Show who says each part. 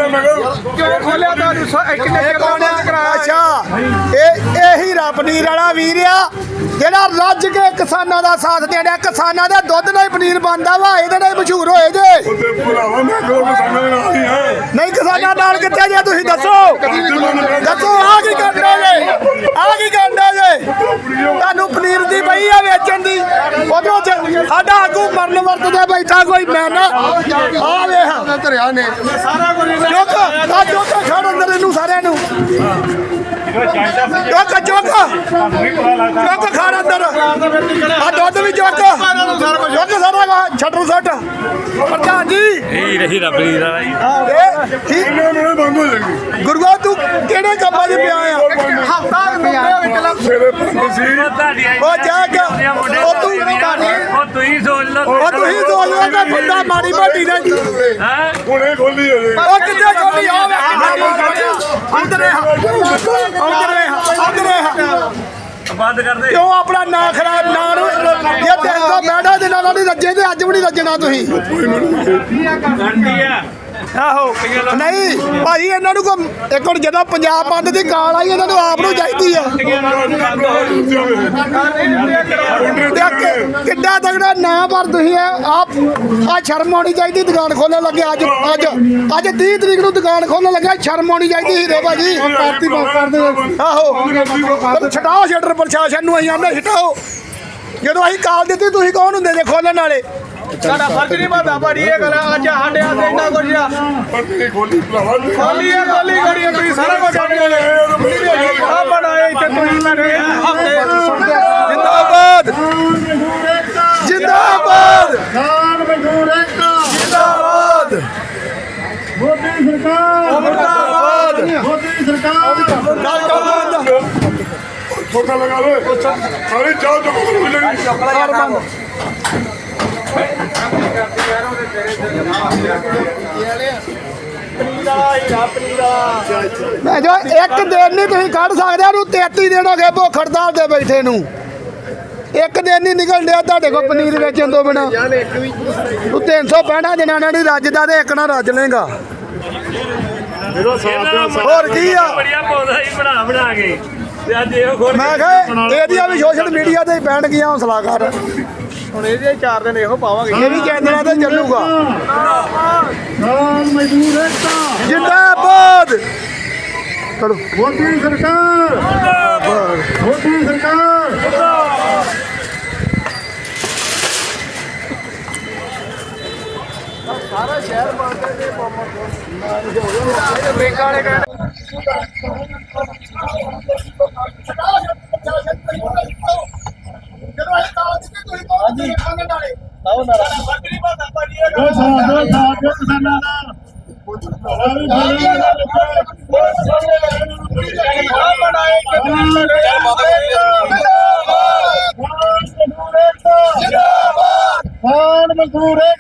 Speaker 1: ਕਿਉਂ ਖੋਲਿਆ ਤੁਹਾਨੂੰ ਕਿੰਨੇ ਚਿਰ ਕਰਾਇਆ?
Speaker 2: ਅੱਛਾ ਇਹੀ ਰੱਬਨੀਰ ਵਾਲਾ ਵੀਰ ਆ ਜਿਹੜਾ ਰੱਜ ਕੇ ਕਿਸਾਨਾਂ ਦਾ ਸਾਥ ਦੇਣਾ। ਕਿਸਾਨਾਂ ਦੇ ਦੁੱਧ ਨਾਲ ਹੀ ਪਨੀਰ ਬਣਦਾ ਵਾ, ਇਹਦੇ ਨਾਲ ਮਸ਼ਹੂਰ ਹੋਏ ਜੇ। ਨਹੀਂ ਕਿਸਾਨਾਂ ਨਾਲ ਕਿੱਥੇ ਜੇ ਤੁਸੀਂ ਦੱਸੋ ਆ ਕੀ ਕਰਨਾ ਜੇ? ਆ ਕੀ ਕਰਨਾ ਜੇ? ਤੁਹਾਨੂੰ ਪਨੀਰ ਦੀ ਪਈ ਆ ਵੇਚਣ ਦੀ, ਉਧਰੋਂ ਸਾਡਾ ਆਗੂ ਮਰਨ ਵਰਤਦਾ ਬੈਠਾ ਕੋਈ ਮੈਂ ਨਾ ਆ ਵੇਖ ਧਰਿਆ ਨੇ ਸਾਰਾ ਕੁਝ ਚੁੱਕ ਖੜ ਅੰਦਰ ਇਹਨੂੰ ਸਾਰਿਆਂ ਨੂੰ ਚੁੱਕ ਖੜ ਅੰਦਰ ਆ ਦੁੱਧ ਵੀ ਚੁੱਕ ਸਾਰਾ ਛੱਡੂ ਛੱਡ ਪ੍ਰਧਾਨ ਜੀ
Speaker 3: ਇਹੀ ਰਹੀ ਰੱਬੀ ਦਾ
Speaker 2: ਗੁਰੂਆ ਤੂੰ ਕਿਹੜੇ ਕੰਮਾਂ 'ਚ ਪਿਆ ਆ?
Speaker 1: ਹਫਤਾ
Speaker 2: ਉਹ ਜਾ ਕੇ ਉਹ
Speaker 3: ਤੁਸੀਂ ਸੋਚ ਲਓ
Speaker 2: ਉਹ ਤੁਸੀਂ ਸੋਚ ਲਓ ਕਿ ਬੰਦਾ ਮਾੜੀ ਮੋਟੀ ਨੇ
Speaker 4: ਹੁਣੇ ਖੋਲੀ ਹੋ ਜਾਏ।
Speaker 2: ਉਹ ਕਿੱਥੇ ਖੋਲੀ ਹੋਵੇ ਅੰਦਰੇ
Speaker 3: ਬੰਦ ਕਰ ਦੇ
Speaker 2: ਕਿਉਂ ਆਪਣਾ ਨਾਂ ਖਰਾਬ ਨਾ ਨੂੰ ਇਹ ਦੇਖੋ ਬੈਠਾ ਦੇ ਨਾਲ ਨਹੀਂ ਰੱਜੇ ਤੇ ਅੱਜ ਵੀ ਨਹੀਂ ਰੱਜਣਾ ਤੁਸੀਂ।
Speaker 3: ਗੰਡੀ ਆ
Speaker 2: ਆਹੋ ਨਹੀਂ ਭਾਈ ਇਹਨਾਂ ਨੂੰ ਇੱਕ ਹੁਣ ਜਦੋਂ ਪੰਜਾਬ ਬੰਦ ਦੀ ਕਾਲ ਆਈ ਇਹਨਾਂ ਨੂੰ ਆਪ ਨੂੰ ਚਾਹੀਦੀ ਆ। ਕਿੱਡਾ ਤਗੜਾ ਨਾ ਪਰ ਤੁਸੀਂ ਆ ਸ਼ਰਮ ਆਉਣੀ ਚਾਹੀਦੀ ਦੁਕਾਨ ਖੋਲਣ ਲੱਗੇ। ਅੱਜ 30 ਤਰੀਕ ਨੂੰ ਦੁਕਾਨ ਖੋਲਣ ਲੱਗਾ, ਸ਼ਰਮ ਆਉਣੀ ਚਾਹੀਦੀ ਹੀਰੇ ਭਾਜੀ। ਆਹੋ ਛਡਾਓ ਸ਼ਟਰ ਪ੍ਰਸ਼ਾਸਨ ਨੂੰ, ਅਸੀਂ ਆਨੇ ਛਡਾਓ। ਜਦੋਂ ਅਸੀਂ ਕਾਲ ਦਿੱਤੀ ਤੁਸੀਂ ਕੌਣ ਹੁੰਦੇ ਜੇ ਖੋਲਣ ਵਾਲੇ?
Speaker 1: ਸਾਡਾ ਫਰਜ਼ ਨਹੀਂ ਬਣਦਾ ਭਾਜੀ ਇਹ ਗੱਲ। ਅੱਜ ਸਾਡੇ ਹੱਥ ਇੰਨਾ ਕੁਝ ਆ ਖੋਲੀ ਗੜੀ ਤੁਸੀਂ ਸਾਰਾ ਕੁਝ ਆ ਬਣਾਏ ਇੱਥੇ ਤੁਸੀਂ
Speaker 2: ਜਿੰਦਾਬਾਦ ਜਿੰਦਾਬਾਦ
Speaker 4: ਖਾਨ ਮਜ਼ਦੂਰ ਏਕਤਾ
Speaker 2: ਜਿੰਦਾਬਾਦ
Speaker 4: ਮੋਦੀ ਸਰਕਾਰ
Speaker 2: ਮੁਰਦਾਬਾਦ
Speaker 4: ਮੋਦੀ ਸਰਕਾਰ
Speaker 2: ਗੱਲ ਕਰ ਬੰਦ
Speaker 4: ਛੋਟਾ ਲਗਾ ਲੋ ਸਾਰੀ ਚਾਹ ਚੁੱਕ
Speaker 2: ਕਰ ਬੰਦ ਮੈਂ ਜੋ ਇੱਕ ਦਿਨ ਨਹੀਂ ਤੁਸੀਂ ਕੱਢ ਸਕਦੇ ਉਹਨੂੰ 33 ਦਿਨ ਹੋ ਗਏ ਭੁੱਖ ਹੜਤਾਲ ਤੇ ਬੈਠੇ ਨੂੰ। ਇੱਕ ਦਿਨ ਨਹੀਂ ਨਿਕਲ ਡਿਆ ਤੁਹਾਡੇ ਕੋਲ ਪਨੀਰ ਵੇਚਣ ਤੋਂ ਬਿਨਾਂ। ਤੂੰ 365 ਦਿਨਾਂ ਨਾਲ ਨਹੀਂ ਰੱਜਦਾ ਤੇ ਇੱਕ ਨਾ ਰੱਜ ਲੇਗਾ। ਹੋਰ ਕੀ ਆ?
Speaker 3: ਬੜੀਆ ਪੌਦਾ ਹੀ ਬਣਾ ਕੇ ਤੇ ਅੱਜ ਇਹੋ ਖੋਲ
Speaker 2: ਮੈਂ ਕਿਹਾ ਇਹਦੀਆਂ ਵੀ ਸੋਸ਼ਲ ਮੀਡੀਆ ਤੇ ਹੀ ਪੈਣ ਗਈਆਂ ਹੌਸਲਾ ਕਰ।
Speaker 1: ਹੁਣ ਇਹਦੇ 4 ਦਿਨ ਇਹੋ ਪਾਵਾਂਗੇ।
Speaker 2: ਇਹ ਵੀ ਚੈਨਲਾਂ ਤੇ ਚੱਲੂਗਾ।
Speaker 4: ਖਾਨ ਮਜ਼ਦੂਰ ਏਕਤਾ
Speaker 2: ਜਿੰਦਾਬਾਦ ਚਲੋ
Speaker 4: ਮੋਦੀ ਸਰਕਾਰ ਮੋਦੀ ਸਰਕਾਰ
Speaker 1: ਸਾਰਾ ਸ਼ਹਿਰ ਬਣਦਾ ਤੇ ਬ੍ਰੇਕਾਂ ਵਾਲੇ ਕਹਿੰਦੇ
Speaker 4: ਜੋ ਕਿਸਾਨਾਂ ਦਾ ਖਾਨ ਮਜ਼ਦੂਰ